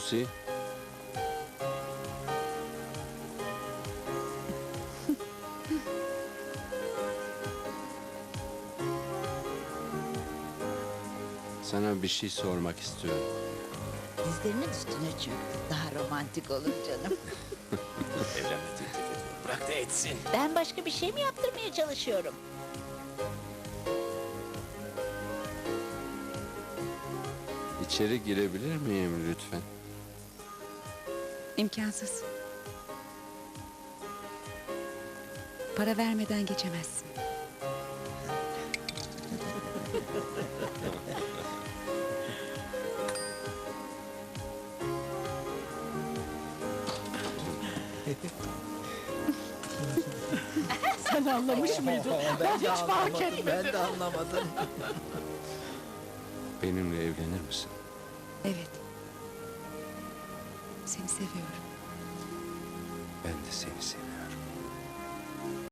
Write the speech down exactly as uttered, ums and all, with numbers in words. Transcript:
Lucy. Sana bir şey sormak istiyorum. Dizlerinin üstüne çöktü. Daha romantik olur canım. Evlenme teklif ediyor. Bırak da etsin. Ben başka bir şey mi yaptırmaya çalışıyorum? İçeri girebilir miyim lütfen? İmkansız. Para vermeden geçemezsin. Sen anlamış mıydın? Ben hiç fark etmedim. Ben de anlamadım. Benimle evlenir misin? Evet. Seni seviyorum. Ben de seni seviyorum.